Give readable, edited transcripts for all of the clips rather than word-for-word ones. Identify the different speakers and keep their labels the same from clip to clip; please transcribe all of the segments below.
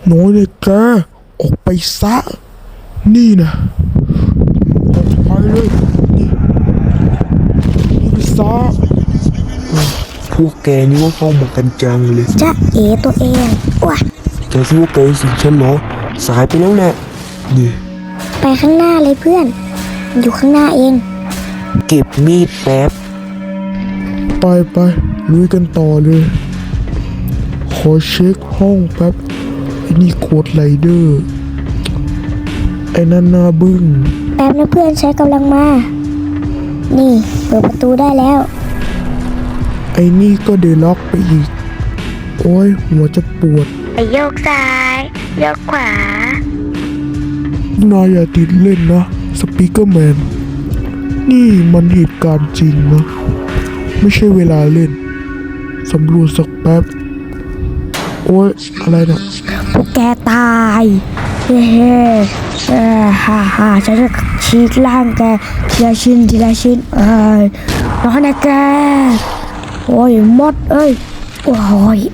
Speaker 1: น้อยเลยแกออกไปซะนี่นะออกไปเลยนี่ไปซะพวกแกนี่ว่าเข้ามากันจังเลย
Speaker 2: จ๊ะเอ๋ตัวเองว้า
Speaker 1: แกคิดว่าแกสิงฉันเหรอสายไปแล้วแหละนี่
Speaker 2: ไปข้างหน้าเลยเพื่อนอยู่ข้างหน้าเอง
Speaker 1: เก็บมีดแป๊บไปลุยกันต่อเลยขอเช็คห้องแป๊บไอ้นี่โคดไรเดอร์ไอ้นั่นนาบึ้ง
Speaker 2: แป๊บนะเพื่อนใช้กำลังมานี่เปิดประตูได้แล้ว
Speaker 1: ไอ้นี่ก็เดล็อกไปอีกโอ้ยหัวจะปวด
Speaker 2: ไปโยกซ้ายโยกขวาน
Speaker 1: ายอย่าติดเล่นนะสปีกเกอร์แมนนี่มันเหตุการณ์จริงนะไม่ใช่เวลาเล่นสำรวจสักแป๊บโอ้ยอะไรเนี่ย
Speaker 2: พวกแกตายเฮ้ฮ่าฉันจะฉีกล่างแกทีละชิ้นน้องนะแกโอ้ยมดเอ้ยโอ้ย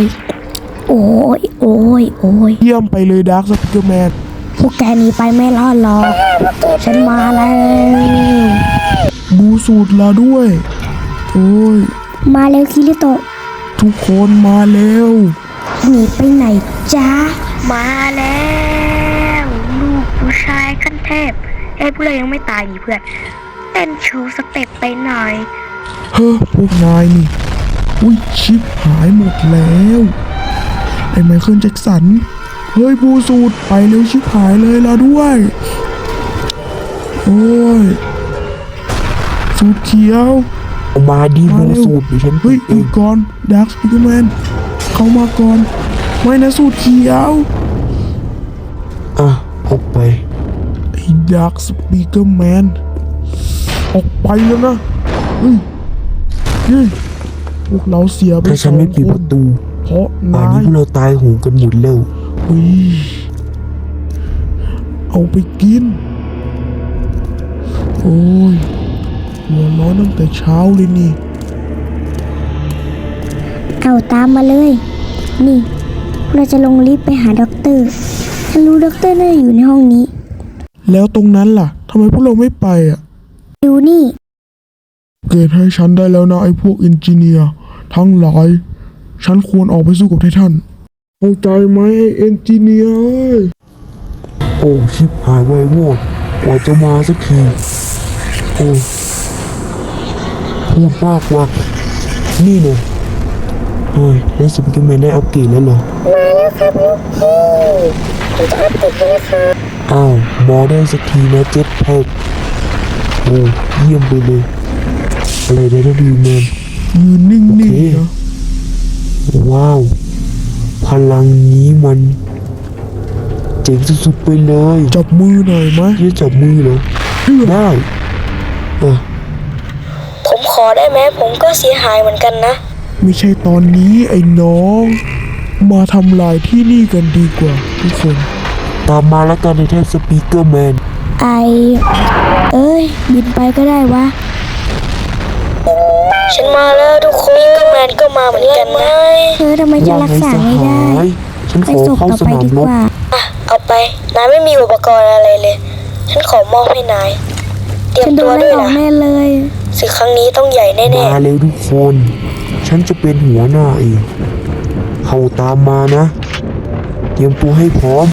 Speaker 1: เยี่ยมไปเลยดาร์คสปีกเกอร์แมน
Speaker 2: พวกแกหนีไปไม่รอดหรอกฉันมาแล้ว
Speaker 1: บูสูตรลาด้วยโอ้ย
Speaker 2: มาเร็วคิริโตะ
Speaker 1: ทุกคนมาแล้ว
Speaker 2: หนีไปไหนจ๊ะมาแล้วลูกผู้ชายขั้นเทพพวกเรายังไม่ตายนี่เพื่อนเต้นโชว์สเต็ปไปหน่อย
Speaker 1: เฮ้อพวกนายนี่อุ้ยชิปหายหมดแล้วไอ้ไมเคิลแจ็คสันเฮ้ยบูสูตรไปเร็วชิปหายเลยลาด้วยโอ้ยสูตรเขียว
Speaker 3: มาดีบูสูตรดิฉัน
Speaker 1: เฮ้ยอีกก่อนดาร์คสปีกเกอร์แมนเข้ามาก่อนไม่นะสูตรเขียว
Speaker 3: อ่ะออกไป
Speaker 1: ไอ้ดาร์คสปีกเกอร์แมนออกไปแล้วนะเฮ้ยพวกเราเสียไป
Speaker 3: ถ้าฉันไม่ปิดประตู
Speaker 1: เพราะ
Speaker 3: ป่าน
Speaker 1: นา
Speaker 3: นี้
Speaker 1: ย
Speaker 3: พวกเราตายโหงกันหมดแล้ว
Speaker 1: เฮ้ยเอาไปกินโอ้ยหัวร้อนตั้งแต่เช้าเลยนี่
Speaker 2: เอาตามมาเลย นี่เราจะลงลิฟต์ไปหาด็อกเตอร์ฉันรู้ด็อกเตอร์น่าจะอยู่ในห้องนี้
Speaker 1: แล้วตรงนั้นล่ะทำไมพวกเราไม่ไปอ่ะ
Speaker 2: ดูนี่
Speaker 1: เกรดให้ฉันได้แล้วนะไอ้พวกเอนจิเนียร์ทั้งหลายฉันควรออกไปสู้กับไททันเข้าใจไหมไอ้เอนจิเนียร์
Speaker 3: โอ้ชิบหายไวโวดกว่าจะมาสักทีโอ้พูดมากว่ะนี่เนี่ยเฮ้ยแล้วสปิเกอร์แมนได้อัปเกรดแล้วเหรอมาแล้วครับลูกพี่จะอัปเกรดแล้วครับอ้าวมอได้สักทีนะเจ็ตแพ็คโอ้เยี่ยมไปเลยอะไรได้นะดีแมน
Speaker 1: ยืนนิ่ง
Speaker 3: โอเค
Speaker 1: ๆนะ
Speaker 3: ว้าว พลังนี้มันเจ๋งสุดๆไปเลย
Speaker 1: จับมือหน่อยไหม
Speaker 3: จะจับมือเหรอได้อ่ะ
Speaker 2: ผมขอได้ไหมผมก็เสียหายเหมือนกันนะ
Speaker 1: ไม่ใช่ตอนนี้ไอ้น้อง มาทำลายที่นี่กันดีกว่าทุกคน
Speaker 3: ตามมาแล้วกันในแท่สปีกเกอร์แมน
Speaker 2: เอ้ยบินไปก็ได้วะฉันมาแล้วทุกคนก็แมนก็มาเหมือนกันนะทำไมจะ
Speaker 3: ว่า
Speaker 2: รัก
Speaker 3: ไง
Speaker 2: ษา
Speaker 3: ส
Speaker 2: ไม่
Speaker 3: หา
Speaker 2: ได้
Speaker 3: ยฉัน
Speaker 2: ไป
Speaker 3: ขอ
Speaker 2: ส่ง
Speaker 3: เข้า
Speaker 2: ต่อ
Speaker 3: ส
Speaker 2: ไป
Speaker 3: นาม
Speaker 2: ดี
Speaker 3: ร
Speaker 2: ก
Speaker 3: บ
Speaker 2: ว่าเอาไปนายไม่มีอุปกรณ์อะไรเลยฉันขอมอบให้นายเตรียมตัวด้วยนะแน่เลยศึกครั้งนี้ต้องใหญ่แน่ๆ
Speaker 3: มาเร็วทุกคน ฉันจะเป็นหัวหน้าเอง เข้าตามมานะ เตรียมตัวให้พร้อม